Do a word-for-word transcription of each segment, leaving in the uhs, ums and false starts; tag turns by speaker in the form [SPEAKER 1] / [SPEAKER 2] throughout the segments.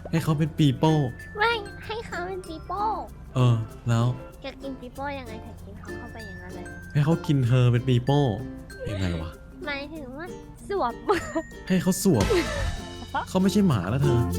[SPEAKER 1] ให้เขาเป็นปีโป้
[SPEAKER 2] ไม่ให้เขาเป็นปีโป้
[SPEAKER 1] เออแล้ว
[SPEAKER 2] จะกินปีโป้ยังไงถ้ากินเขาเข้าไปอย่างนั้นเลย
[SPEAKER 1] ให้เขากินเธอเป็นปีโป้ยังไงวะ
[SPEAKER 2] หมายถึงว่าสวบ
[SPEAKER 1] ให้เขาสวบเขาไม่ใช่หมาแล้วเธอ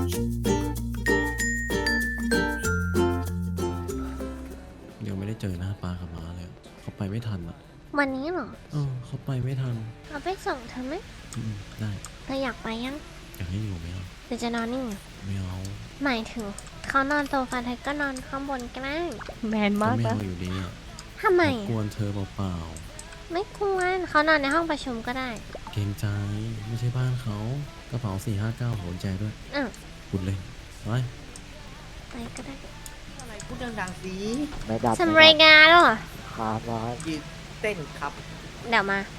[SPEAKER 1] ยังไม่ได้เจอหน้าป้ากับม้าเลยเขาไปไม่ทันอ่ะ
[SPEAKER 2] วันนี้เหรอ
[SPEAKER 1] เออเขาไปไม่ทัน
[SPEAKER 2] เราไปส่งเธอไหม
[SPEAKER 1] อืมได้
[SPEAKER 2] เธออยากไปยัง
[SPEAKER 1] อยากให้อยู่ไหมอ่ะ
[SPEAKER 2] เธอจะนอนนี่
[SPEAKER 1] ไม่เอา
[SPEAKER 2] หมายถึงเขานอนโซฟาเธอก็นอนข้างบนก็ได้แมนมาก
[SPEAKER 1] ไม่เอาอยู่ดีอ่ะ
[SPEAKER 2] ทำไม
[SPEAKER 1] กวนเธอเปล่า
[SPEAKER 2] ๆไม่กวนเขานอนในห้องประชุมก็ได้
[SPEAKER 1] เกรงใจไม่ใช่บ้านเขากระเป๋าสี่ห้าเก้าหัวใจด้วย
[SPEAKER 2] อ่ะ
[SPEAKER 1] พูดเลยไป
[SPEAKER 2] ไปก็ได้
[SPEAKER 3] อะไรพูดดังๆสิ
[SPEAKER 4] ไม่ดับ
[SPEAKER 2] ทำรายงานหรอ
[SPEAKER 4] ครับร้อย
[SPEAKER 3] ยืนเต้นครับ
[SPEAKER 2] เดี๋ยวมา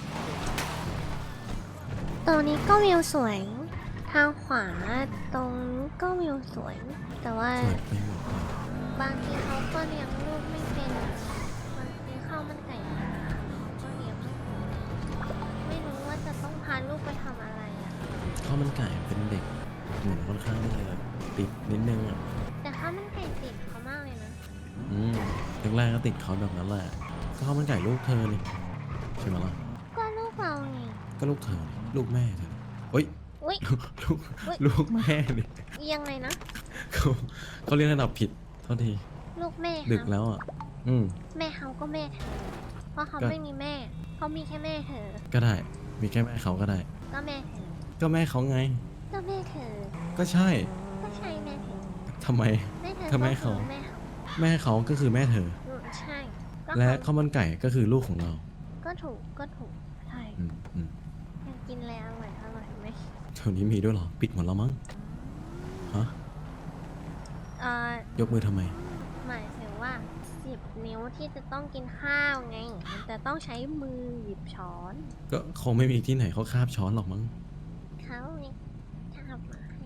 [SPEAKER 2] ตรงนี้ก็วิวสวยทางขวาตรงนี้ก็วิวสวยแต่ว่า
[SPEAKER 1] สวยไปหมดเลย
[SPEAKER 2] บางทีเขาก็เลี้ยงลูกไม่เป็นบางทีข้าวมันไก่ก็เลี้ยงไม่เป็นไม่รู้ว่าจะต้องพาลูกไปทำอะไรอ่ะ
[SPEAKER 1] ข้าวมันไก่เป็นเด็กเหมือนค่อนข้างที่จะติดนิดนึงอ่ะ
[SPEAKER 2] แต่ข้าวมันไก่ติดเขามากเลยนะ
[SPEAKER 1] อืมแรกๆก็ติดเขาแบบนั้นแหละก็ข้าวมันไก่ลูกเธอนี่ใช่ไหมล่ะ
[SPEAKER 2] ก็ลูกเราไง
[SPEAKER 1] ก็ลูกเธอนี่ลูกแม่เธอเฮ้ย
[SPEAKER 2] อุ๊ย
[SPEAKER 1] ลูกลูกแม่นี่
[SPEAKER 2] ยังไงนะ
[SPEAKER 1] เขาเขาเรียกระดับผิดเท่าที
[SPEAKER 2] ลูกแม่
[SPEAKER 1] ดึกแล้วอ่ะอืม
[SPEAKER 2] แม่เขาก็แม่เธอเพราะเขาไม่มีแม่เขามีแค่แม่เธอ
[SPEAKER 1] ก็ได้มีแค่แม่เขาก็ได้
[SPEAKER 2] ก็แม่เธอ
[SPEAKER 1] ก็แม่เขาไง
[SPEAKER 2] ก็แม่เธอ
[SPEAKER 1] ก็ใช่
[SPEAKER 2] ก็ใช่แม่เธอ
[SPEAKER 1] ทำไม
[SPEAKER 2] แม่เธอ
[SPEAKER 1] ถ้าแม่เขา
[SPEAKER 2] แม่เขา
[SPEAKER 1] แม่เขาก็คือแม่เธอ
[SPEAKER 2] อืมใช่
[SPEAKER 1] และข้าวมันไก่ก็คือลูกของเรา
[SPEAKER 2] ก็ถูกก็ถูกใช่
[SPEAKER 1] อืมอืม
[SPEAKER 2] อยากกินอะไรอร่อยอร่อยไหม
[SPEAKER 1] เท่านี้มีด้วยเหรอปิดหมดแล้วมั้งฮะ
[SPEAKER 2] เอ่อย
[SPEAKER 1] กมือทำไม
[SPEAKER 2] หมายถึงว่าสิบนิ้วที่จะต้องกินข้าวไงมันจะต้องใช้มือหยิบช้อน
[SPEAKER 1] ก็คงไม่มีที่ไหนเขาคาบช้อนหรอกมั้ง
[SPEAKER 2] เขาเนี่ยชอบหมาให้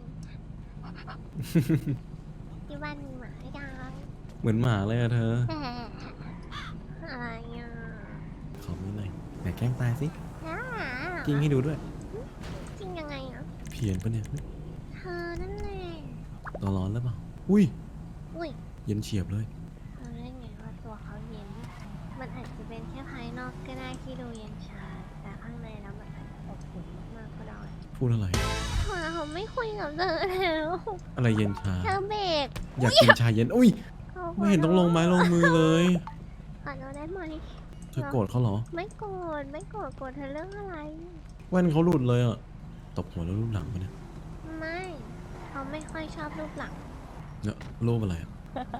[SPEAKER 2] ที่บ้านมีหมาให้ยัง
[SPEAKER 1] เหมือนหมาเลยอะเธอ
[SPEAKER 2] อะไรอ่ะ
[SPEAKER 1] ขอมือหน่อยไหนแกล้งตายสิ
[SPEAKER 2] น้า
[SPEAKER 1] กิ้งให้ดูด้วย
[SPEAKER 2] จริงยังไงอ่ะ
[SPEAKER 1] เพี้ยนปะเนี่ย
[SPEAKER 2] เธอนั่นแหละ
[SPEAKER 1] ตัวร้อนแล้วเปล่าอุ้ย
[SPEAKER 2] อุ้ย
[SPEAKER 1] เย็นเฉียบเลย
[SPEAKER 2] เราได้ไงว่าตัวเขาเย็นมันอาจจะเป็นแค่ภายนอกก็ได้ที่ดูเย็นชาแต่ข้างในแล้วมันอาจจะอบอุ่นมากๆก็ได้
[SPEAKER 1] พูดอะไร
[SPEAKER 2] เขาไม่คุยกับเธอแล้ว
[SPEAKER 1] อะไรเย็นชา
[SPEAKER 2] เธอเบรก
[SPEAKER 1] อยากกินชาเย็นอุ้ยไม่เห็นต้องลงไม้ลงมือเลย
[SPEAKER 2] ขอโทษได้ไหม
[SPEAKER 1] เธอโกรธเขาเหรอ
[SPEAKER 2] ไม่โกรธไม่โกรธโกรธเธอเรื่องอะไร
[SPEAKER 1] แว่นเขาหลุดเลยอ่ะตบหัวแล้วรูปหลังไปเนี่ย
[SPEAKER 2] ไม่เขาไม่ค่อยชอบรูปหลัง
[SPEAKER 1] เนี่ยรูปอะไรอ่ะ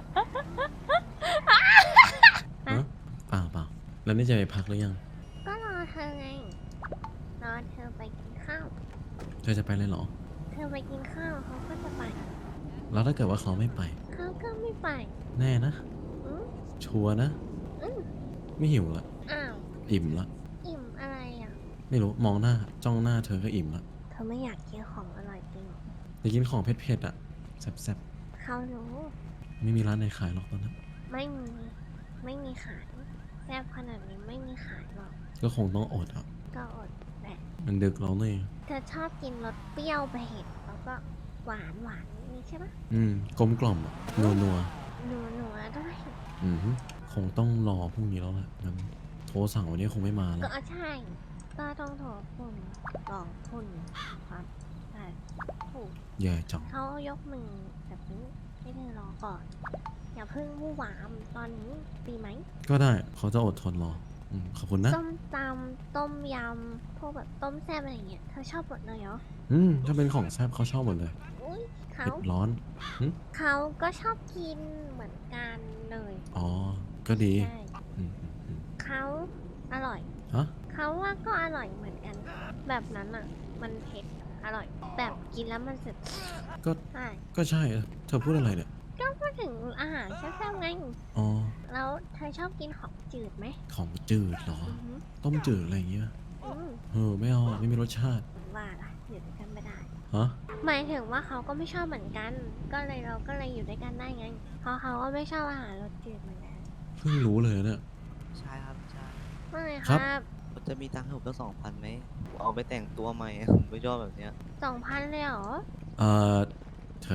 [SPEAKER 1] ฮะเปล่าเปล่าแล้วนี่จะไปพักหรือยัง
[SPEAKER 2] ก็รอเธอไงรอเธอไปกินข้าว
[SPEAKER 1] เธอจะไปเลยเหรอ
[SPEAKER 2] เธอไปกินข้าวเขาก็จะไป
[SPEAKER 1] แล้วถ้าเกิดว่าเขาไม่ไป
[SPEAKER 2] เขาก็ไม่ไป
[SPEAKER 1] แน่นะชัวร์นะไม่หิวละ
[SPEAKER 2] อ้าว
[SPEAKER 1] อิ่มละ
[SPEAKER 2] อิ่มอะไรอ่ะ
[SPEAKER 1] ไม่รู้มองหน้าจ้องหน้าเธอก็อิ่มละ
[SPEAKER 2] เธอไม่อยากกินของอร่อยจริง
[SPEAKER 1] อยากกินของเผ็ดๆอ่ะแซ่บ
[SPEAKER 2] ๆเขารู้
[SPEAKER 1] ไม่มีร้านไหนขายหรอกตอนนั้น
[SPEAKER 2] ไม่มีไม่มีขายแซ่บขนาดนี้ไม่มีขายหรอก
[SPEAKER 1] ก็คงต้องอดอ่ะ
[SPEAKER 2] ก็อดแหละ
[SPEAKER 1] มันดึกแล้วเนี่ย
[SPEAKER 2] เธอชอบกินรสเปรี้ยวเผ็ดแล้วก็หวานหวานนี่ใช่ปะ
[SPEAKER 1] อืมกลมกล่อมอ่ะนัวนัว
[SPEAKER 2] นัวนัวด้วย
[SPEAKER 1] อืมคงต้องรอพรุ่งนี้แล้วแหละงั้นโทรสั่งวันนี้คงไม่มาแล้ว
[SPEAKER 2] ก็ใช่ก็ต้องโทรคุณบอกคุณครับใช่ถูก
[SPEAKER 1] แย่จัง
[SPEAKER 2] เขายกมือแบบนี้ให้เธอรอก่อนอย่าเพิ่งวู่วามตอนนี้ดีไหม
[SPEAKER 1] ก็ได้เขาจะอดทนรออืมขอบคุณนะ
[SPEAKER 2] ส้มตำต้มยำพวกแบบต้มแซ่บอะไรเงี้ยเธอชอบหมดเลยเหรอ
[SPEAKER 1] อืมถ้าเป็นของแซ่บเขาชอบหมดเลย
[SPEAKER 2] อุ้ยเขา
[SPEAKER 1] เผ็ดร้อน
[SPEAKER 2] เขาก็ชอบกินเหมือนกันเลย
[SPEAKER 1] อ๋อก็ดี
[SPEAKER 2] เขาอร่อย
[SPEAKER 1] ฮะ
[SPEAKER 2] เขาว่าก็อร่อยเหมือนกันแบบนั้นอ่ะมันเผ็ดอร่อยแบบกินแล้วมันสึก
[SPEAKER 1] ก็
[SPEAKER 2] ใช่
[SPEAKER 1] ก็ใช่เธอพูดอะไรเนี่ย
[SPEAKER 2] ก็พูดถึงอาหารแซ่บๆไง
[SPEAKER 1] อ๋อ
[SPEAKER 2] แล้วเธอชอบกินของจืดไหม
[SPEAKER 1] ของจืดเหรอต้มจืดอะไรอย่างเงี้ยเออไม่เอาไม่มีรสชาติ
[SPEAKER 2] ว่าล่ะอยู่ด้วยกันไม่ได้
[SPEAKER 1] ฮะ
[SPEAKER 2] หมายถึงว่าเขาก็ไม่ชอบเหมือนกันก็เลยเราก็เลยอยู่ด้วยกันได้ไงเพราะเขาก็ไม่ชอบอาหารรสจืดเหมือนกัน
[SPEAKER 1] เพิ่งรู้เลยเนี่ย
[SPEAKER 3] ใช่ครับใช่
[SPEAKER 2] ไม่ครับ
[SPEAKER 3] จะมีตังค์ให้ผมตั้งสองพันไหมเอาไปแต่งตัวใหม่ผมไม่ชอบแบบเนี้ย
[SPEAKER 2] สองพันเลยเหรอ
[SPEAKER 1] เออเธ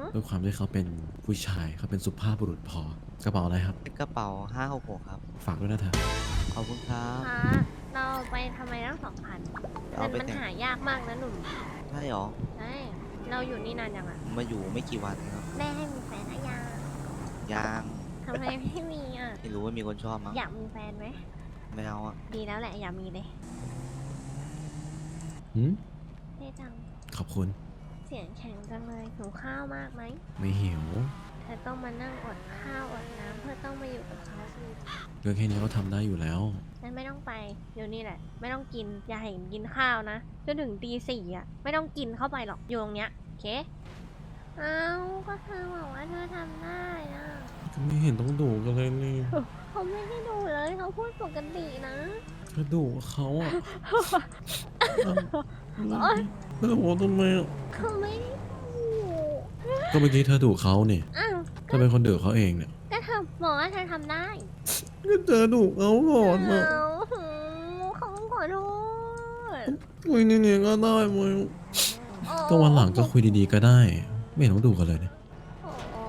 [SPEAKER 1] ด้วยความที่เขาเป็นผู้ชายเขาเป็นสุภาพบุรุษพอกระเป๋าอะไรครับ
[SPEAKER 3] เป็นกระเป๋าห้าหกหกครับ
[SPEAKER 1] ฝากด้วยนะเธอ
[SPEAKER 3] ขอบคุณครับ
[SPEAKER 2] คะเราไปทำไมตั้งสองพัน
[SPEAKER 3] เอา
[SPEAKER 2] เงิน
[SPEAKER 3] ไป
[SPEAKER 2] มัน
[SPEAKER 3] แต่ง
[SPEAKER 2] หายากมากนะหนุ่ม
[SPEAKER 3] ใช่หรอ
[SPEAKER 2] ใช่เราอยู่นี่นานยังอ่ะ
[SPEAKER 3] ผมมาอยู่ไม่กี่วันครับ
[SPEAKER 2] แม่ให้มีแฟนหรือยัง
[SPEAKER 3] ยัง
[SPEAKER 2] ทำไมไม่มีอ่ะ
[SPEAKER 3] ไม่รู้ว่ามีคนชอบมั้ง
[SPEAKER 2] อยากมีแฟนไหม
[SPEAKER 3] ไม่เอาอ่ะ
[SPEAKER 2] ดีแล้วแหละอย่ามีเลย
[SPEAKER 1] หืม
[SPEAKER 2] เท่จัง
[SPEAKER 1] ขอบคุณ
[SPEAKER 2] เสียงแข็งจังเลยหิวข้าวมากไหม
[SPEAKER 1] ไม่หิว
[SPEAKER 2] เธอต้องมานั่งอดข้าวอดน้ำเพื่อต้องมาอยู่กับเขาอีก
[SPEAKER 1] เรื่องแค่นี้ก็ทำได้อยู่แล้ว
[SPEAKER 2] งั้นไม่ต้องไปอยู่นี่แหละ ไม่ต้องกินอย่าเห็นกินข้าวนะจนถึงตีสี่อ่ะไม่ต้องกินเข้าไปหรอกอยู่ตรงเนี้ยโอเคเอาก็เธอบอกว่าเธอทำได้อ่ะ
[SPEAKER 1] ก็ไม่เห็นต้องดุกันเลยนี่
[SPEAKER 2] เขาไม่ได้ดูเลยเขาพูดปกตินะ
[SPEAKER 1] ก็ดุเขาอ่ะ
[SPEAKER 2] โอ๊ย
[SPEAKER 1] แล้วบอกว่าทำไมอะ
[SPEAKER 2] เขาไม่ได้ดู
[SPEAKER 1] ก็เมื่อกี้เธอดุเขาเนี่ย
[SPEAKER 2] อ้าว
[SPEAKER 1] เธอเป็นคนดุเขาเองเนี่ย
[SPEAKER 2] ก็เธอบอกว่าเธอทำได้
[SPEAKER 1] ก็เธอดุเขาก่อนอ่ะ
[SPEAKER 2] เอาเขาขอโทษ
[SPEAKER 1] คุยเนี่ยก็ได้มั้ย
[SPEAKER 2] โอ้
[SPEAKER 1] ก็วันหลังก็คุยดีๆก็ได้ ไม่เห็นต้องดุกันเลยเนี่ย
[SPEAKER 2] โอ้โอ้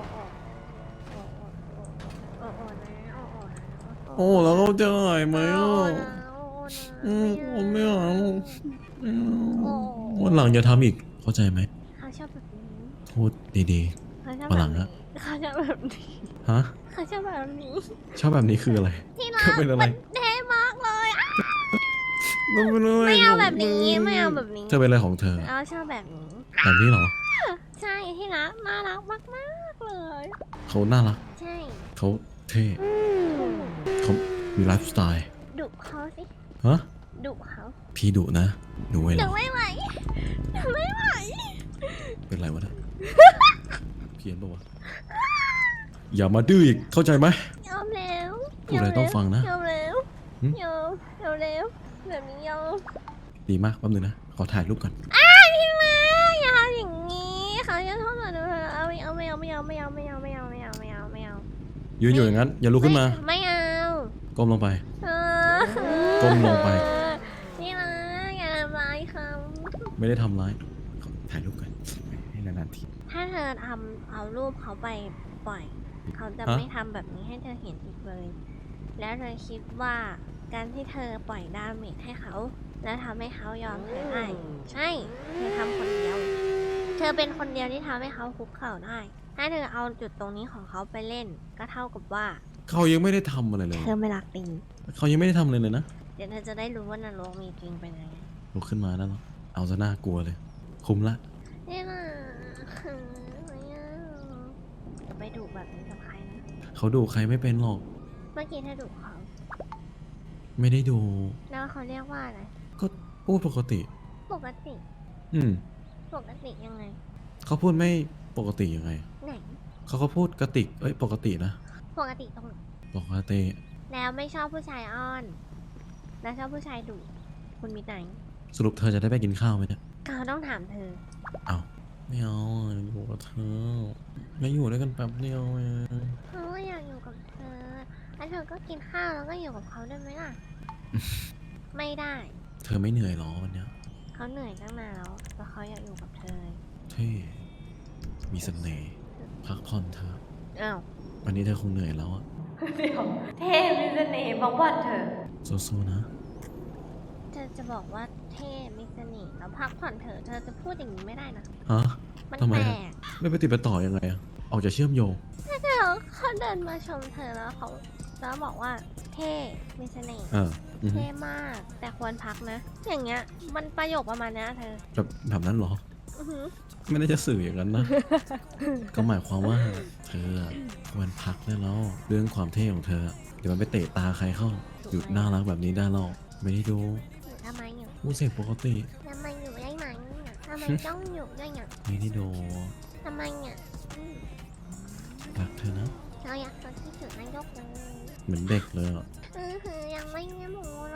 [SPEAKER 2] โอ้โอ้โอ้โอ้โอ้นะโอ้โอ้นะ
[SPEAKER 1] โอ้แล้วเขาจะหายไหม
[SPEAKER 2] โอ้
[SPEAKER 1] อ่ะ
[SPEAKER 2] นะโอ้นะ
[SPEAKER 1] อืมผมไม่เอาไม่เอา
[SPEAKER 2] โอ้
[SPEAKER 1] วันหลังอย่าทำอีก เข้าใจไหม
[SPEAKER 2] เขาชอบแบบนี้
[SPEAKER 1] พูดดี
[SPEAKER 2] เขาชอบ
[SPEAKER 1] วัน
[SPEAKER 2] แบ
[SPEAKER 1] หลั
[SPEAKER 2] บ
[SPEAKER 1] ง
[SPEAKER 2] นี้
[SPEAKER 1] อะ
[SPEAKER 2] เขาชอบแบบนี้
[SPEAKER 1] ๆ ฮะ
[SPEAKER 2] เขาชอบแบบนี้
[SPEAKER 1] ชอบแบบนี้คืออะไร
[SPEAKER 2] ที่รัก
[SPEAKER 1] เขาเป็นอะไร
[SPEAKER 2] มันเท่มากเลยอะ
[SPEAKER 1] มันเป็นอะไร
[SPEAKER 2] ไม่เอาแบบนี้ไม่เอาแบบนี้
[SPEAKER 1] เธอเป็นอะไรของเธอ
[SPEAKER 2] เราชอบแบบนี้
[SPEAKER 1] แบบนี้เหรอ
[SPEAKER 2] ใช่ที่รักน่ารักมากมากๆเลย
[SPEAKER 1] เขาน่ารัก
[SPEAKER 2] ใช่
[SPEAKER 1] เขาเท่
[SPEAKER 2] อืม
[SPEAKER 1] เขามีไลฟ์สไตล์
[SPEAKER 2] ดุเขาสิ
[SPEAKER 1] ฮะ
[SPEAKER 2] ดุเขา
[SPEAKER 1] พี่ดุนะ หนูไว้เหร
[SPEAKER 2] ดุ
[SPEAKER 1] อ
[SPEAKER 2] ไม่ไหวดุไม่ไหว
[SPEAKER 1] เป็นไรวะเนี่ยเพี้ยนปะวะ อย่ามาดื้ออีก เข้าใจไหม
[SPEAKER 2] ยอมแล้ว
[SPEAKER 1] พูดอะไรต้องฟังนะ
[SPEAKER 2] ยอมแล้ว
[SPEAKER 1] หึ
[SPEAKER 2] ยอมยอมแล้วแบบนี้ยอม
[SPEAKER 1] ดีมากแป๊บนึงนะ ขอถ่ายรูปก่อน
[SPEAKER 2] อ้าพี่มาอย่าทำอย่างนี้เขาจะโทษหนูเอาไม่เอาไม่เอาไม่เอาไม่เอาไม่เอาไม่เอาไม่เอาไม่เอาไม่เอา
[SPEAKER 1] ยืนอยู่อย่างนั้น อย่าลุกขึ้นมา
[SPEAKER 2] ไม่เอา
[SPEAKER 1] ก้มลงไป
[SPEAKER 2] เออ
[SPEAKER 1] ก้มลงไป
[SPEAKER 2] นี่นะอย่าทำร้ายเขา
[SPEAKER 1] ไม่ได้ทำร้ายขอถ่ายรูปก่อนให้นานๆที
[SPEAKER 2] ถ้าเธอทำเอารูปเขาไปปล่อย เขาจะ
[SPEAKER 1] ฮะ
[SPEAKER 2] ไม่ทำแบบนี้ให้เธอเห็นอีกเลย แล้วเธอคิดว่าการที่เธอปล่อยดาเมจให้เขา แล้วทำให้เขายอมเธอได้ใช่เธอทำคนเดียว เธอเป็นคนเดียวที่ทำให้เขาคุกเข่าได้ ถ้าเธอเอาจุดตรงนี้ของเขาไปเล่น ก็เท่ากับว่า
[SPEAKER 1] เขายังไม่ได้ทำอะไรเลย
[SPEAKER 2] เธอไม่รักจริง
[SPEAKER 1] เขายังไม่ได้ทำอะไรเลยนะ
[SPEAKER 2] เดี๋ยวเธอจะได้รู้ว่านรกมีจริงเป็นยังไง
[SPEAKER 1] ลุกขึ้นมาแล้วเหรอเอาซะน่ากลัวเลย คุ้มละ
[SPEAKER 2] นี่นะไม่เอาจะไปดุแบบนี้กับใครนะ
[SPEAKER 1] เขาดูใครไม่เป็นหรอก
[SPEAKER 2] เมื่อกี้เธอดุเขา
[SPEAKER 1] ไม่ได้ดู
[SPEAKER 2] แล้วเขาเรียกว่าอะไร
[SPEAKER 1] ก็พูดปกติ
[SPEAKER 2] ปกติ
[SPEAKER 1] อืม
[SPEAKER 2] ปกติยังไง
[SPEAKER 1] เขาพูดไม่ปกติยังไง
[SPEAKER 2] ไหน
[SPEAKER 1] เขาก็พูดกระติก เอ้ย ปกตินะ
[SPEAKER 2] ปกติตรงไหน
[SPEAKER 1] ปกติ
[SPEAKER 2] แล้วไม่ชอบผู้ชายอ้อน แล้วชอบผู้ชายดุคุณมีไหน
[SPEAKER 1] สรุปเธอจะได้ไปกินข้าวไหมเนี่ย
[SPEAKER 2] เขาต้องถามเธอ
[SPEAKER 1] เอาไม่เอาอ่ะอยู่กับเธอไม่อยู่ด้วยกันแป๊บเดียวเอง
[SPEAKER 2] เขาก็อยากอยู่กับเธอ แล้วเธอก็กินข้าวแล้วก็อยู่กับเขาได้ไหมล่ะ ไม่ได้
[SPEAKER 1] เธอไม่เหนื่อยหรอวันเนี้ย
[SPEAKER 2] เขาเหนื่อยตั้งนานแล้วแต่เขาอยากอยู่กับเธอ
[SPEAKER 1] เท่มีเสน่ห์พักผ่อนเธอะ
[SPEAKER 2] อ้าว
[SPEAKER 1] วันนี้เธอคงเหนื่อยแล้วอะ
[SPEAKER 2] เดี๋ยวเท่มีเสน่ห์บอกว่าเธอ
[SPEAKER 1] สู้ๆนะ
[SPEAKER 2] เธอจะบอกว่าเท่มีเสน่ห์แล้วพักผ่อนเถอะ เธอจะพูดอย่างนี้ไม่ได้นะ
[SPEAKER 1] ฮะ
[SPEAKER 2] มัน
[SPEAKER 1] ทำไม
[SPEAKER 2] แปล
[SPEAKER 1] อะ
[SPEAKER 2] ก
[SPEAKER 1] ไม่ไปติดไปต่อยังไงอะออกจะเชื่อมโยง
[SPEAKER 2] เดี๋ยวเขาเดินมาชมเธอแล้วเขาแล้วบอกว่าเท่มีเสน่ห์
[SPEAKER 1] เอออือฮึ
[SPEAKER 2] เท่มาก แต่ควรพักนะ อย่างเงี้ย มันประโยคประมาณเนี้ยเธอ
[SPEAKER 1] แบบแบบนั้นเหรอ
[SPEAKER 2] อือหือ
[SPEAKER 1] ไม่ได้จะสื่ออย่างนั้นนะ ก็หมายความว่า เธอควรพักได้แล้ว เรื่องความเท่ของเธอ เดี๋ยวมันไปเตะตาใครเข้า หยุดน่ารักแบบนี้ได้หรอกไม่ได้ดู
[SPEAKER 2] อยู่ทำไมอยู่
[SPEAKER 1] มูเสียงปกติ
[SPEAKER 2] ทำไมอยู่ได้ไหมเนี่ยทำไมต้องอยู่ด้วยเนี่ย
[SPEAKER 1] ไม่ได้ดู
[SPEAKER 2] ทำไมเนี่ยอืม
[SPEAKER 1] รักเธอนะ
[SPEAKER 2] เราอยากจะคิดถึงนายกเลย
[SPEAKER 1] เหมือนเด็กเลยอ่ะ
[SPEAKER 2] อือหือยังไม่ได้หมูเลย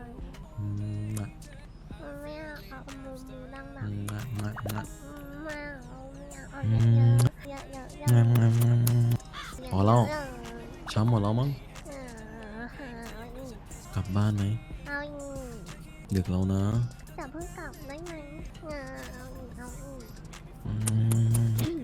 [SPEAKER 1] อืมอะ
[SPEAKER 2] มันไม่อยากเอาหมูหมูดังดั
[SPEAKER 1] อื
[SPEAKER 2] ง
[SPEAKER 1] มอะงะงะ
[SPEAKER 2] ไม่เอาไม่อยากเอา
[SPEAKER 1] อื
[SPEAKER 2] เย
[SPEAKER 1] ม
[SPEAKER 2] อะๆเยอะๆเยอะๆเยอะ
[SPEAKER 1] งะงะงะงะ
[SPEAKER 2] ๆ
[SPEAKER 1] พอแล้ว
[SPEAKER 2] เยอะ
[SPEAKER 1] ช้ำหมดแล้วมั้ง
[SPEAKER 2] ๆเออเอาอีก
[SPEAKER 1] กลับบ้านไหม
[SPEAKER 2] เอาอีก
[SPEAKER 1] ดึกแล้วนะ
[SPEAKER 2] แต่เพิ่งกลับได้ไหมเออเอาอีกเอาอีก
[SPEAKER 1] อืมเธ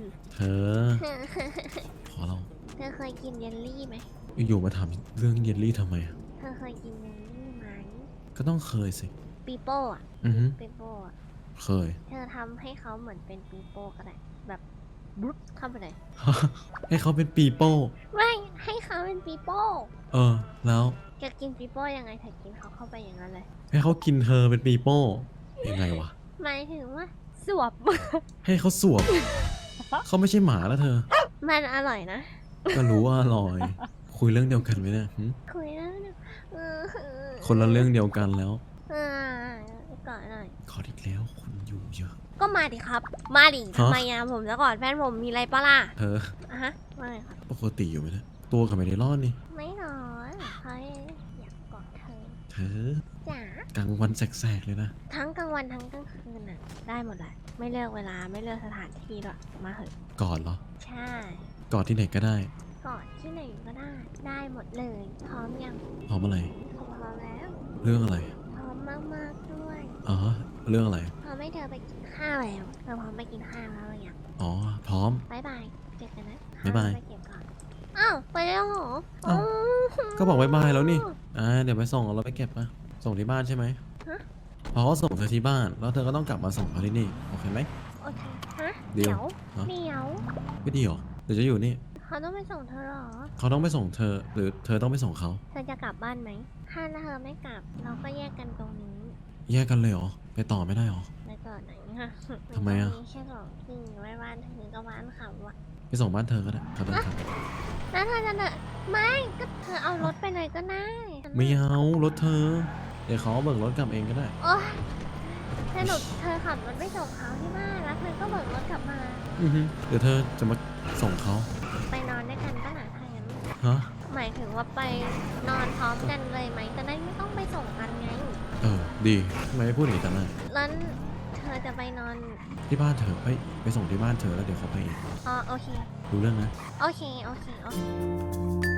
[SPEAKER 1] อ พอเรา
[SPEAKER 2] เธอเคยกินเยลลี่ไหม
[SPEAKER 1] อยู่ๆมาถามเรื่องเยลลี่ทำไมอะ
[SPEAKER 2] เธอเคยกินเยลลี่ไหม
[SPEAKER 1] ก็ต้องเคยสิ
[SPEAKER 2] ปีโป้อะ
[SPEAKER 1] อือฮึ
[SPEAKER 2] ปีโป้อะ
[SPEAKER 1] เคย
[SPEAKER 2] เธอทำให้เขาเหมือนเป็นปีโป้ก็ได้แบบบลุ๊บเข้าไปเลย
[SPEAKER 1] ให้เขาเป็นปีโป้
[SPEAKER 2] ไม่ให้เขาเป็นปีโป้
[SPEAKER 1] เออ แล้ว
[SPEAKER 2] จะกินปีโป้ยังไงเธอกินเขาเข้าไปอย่างนั้นเลย
[SPEAKER 1] ให้เขากินเธอเป็นปีโป้ยังไงวะ
[SPEAKER 2] หมายถึงว่าสวบ
[SPEAKER 1] ให้เขาสวบ เขาไม่ใช่หมาแล้วเธอ
[SPEAKER 2] มันอร่อยนะ
[SPEAKER 1] ก็รู้ว่าอร่อย คุยเรื่องเดียวกันไหมเนี่ยหึ
[SPEAKER 2] คุยแล้วนะเออ
[SPEAKER 1] คนละเรื่องเดียวกันแล้ว
[SPEAKER 2] เออก่อนหน่อย
[SPEAKER 1] ขออีกแล้วคนอยู่เยอะ
[SPEAKER 2] ก็มาดิครับ มาดิ
[SPEAKER 1] ฮะ
[SPEAKER 2] ทำไมอะผมจะกอดแฟนผมมีอะไรปะล่ะ
[SPEAKER 1] เธอ
[SPEAKER 2] อะฮะว่าไงครับ
[SPEAKER 1] ปกติอยู่ไหมเนี่ยตัวกับไม่ได้รอดนี่
[SPEAKER 2] ไม่นอนเขาอยากกอดเธอ
[SPEAKER 1] เธอ
[SPEAKER 2] จ๋าก
[SPEAKER 1] ลางวันแสกๆเลยนะ
[SPEAKER 2] ทั้งกลางวันทั้งกลางคืนน่ะ ได้หมดแหละ ไม่เลือกเวลาไม่เลือกสถานที่ด้วยมาเถอะ
[SPEAKER 1] กอดเหรอ
[SPEAKER 2] ใช่
[SPEAKER 1] กอดที่ไหนก็ได้
[SPEAKER 2] กอดที่ไหนก็ได้ ได้หมดเลย พร้อมยัง
[SPEAKER 1] พร้อมอะไร
[SPEAKER 2] พร้อมแล้ว
[SPEAKER 1] เรื่องอะไร
[SPEAKER 2] พร้อมมากๆด้วย
[SPEAKER 1] อ๋อ เรื่องอะไร
[SPEAKER 2] พร้อมให้เธอไปกินข้าวแล้วเธอพร้อมไปกินข้าวแล้วหรือยัง
[SPEAKER 1] อ๋อ พร้อม
[SPEAKER 2] บายบายเจอกันนะ
[SPEAKER 1] บ๊ายบาย
[SPEAKER 2] ไปเก็บก่อน อ้าว ไปแล้วเหรอ
[SPEAKER 1] อ้าว
[SPEAKER 2] อ๋อ
[SPEAKER 1] ก็บอกบายบายแล้วนี่ อ่า เดี๋ยวไปส่งเอารถไปเก็บปะส่งที่บ้านใช่ไหม
[SPEAKER 2] ฮะ
[SPEAKER 1] พอเขาส่งเธอที่บ้าน แล้วเธอก็ต้องกลับมาส่งเขาที่นี่ โอเคไหม
[SPEAKER 2] โอเค ฮะ
[SPEAKER 1] เดี๋ยว
[SPEAKER 2] เดี๋ยว
[SPEAKER 1] ฮะ
[SPEAKER 2] เดี๋ยว
[SPEAKER 1] ไม่ดีหรอ เดี๋ยวจะอยู่นี่
[SPEAKER 2] เขาต้องไปส่งเธอเหรอ
[SPEAKER 1] เขาต้องไปส่งเธอ หรือเธอต้องไปส่งเขา
[SPEAKER 2] เธอจะกลับบ้านไหม ถ้าเธอไม่กลับ เราก็แยกกันตรงนี้
[SPEAKER 1] แยกกันเลยเหรอ ไปต่อไม่ได้เหรอ
[SPEAKER 2] ไปก่อนไหนคะ
[SPEAKER 1] ทำไมอะ
[SPEAKER 2] นมีแค่สองที่ไว้บ้านเธอกับบ้านเขาอะ
[SPEAKER 1] ไปส่งบ้านเธอก็ได้เขาเดินทาง
[SPEAKER 2] แล้วเธอจะเดินไม่ก็เธอเอารถไปเลยก็ได้
[SPEAKER 1] ไม่เอารถเธอ เดี๋ยวเขาเบิกรถกลับเองก็ได้
[SPEAKER 2] โอ๊ยสรุปเธอขับรถไปส่งเขาที่บ้านแล้วเธอก็เบิกรถกลับมา
[SPEAKER 1] อือฮึเดี๋ยวเธอจะมาส่งเขา
[SPEAKER 2] ไปนอนด้วยกันก็หนาถ้างั้น
[SPEAKER 1] ฮะ
[SPEAKER 2] หมายถึงว่าไปนอนพร้อมกันเลยไหมจะได้ไม่ต้องไปส่งกันไง
[SPEAKER 1] เออ ดีทำไมไม่พูดอย่างนี้แต่แรก
[SPEAKER 2] แล้วเธอจะไปนอน
[SPEAKER 1] ที่บ้านเธอเอ้ยไปส่งที่บ้านเธอแล้วเดี๋ยวเขาไปเอง
[SPEAKER 2] อ๋อโอเค
[SPEAKER 1] รู้เรื่องนะ
[SPEAKER 2] โอเค โอเค โอเค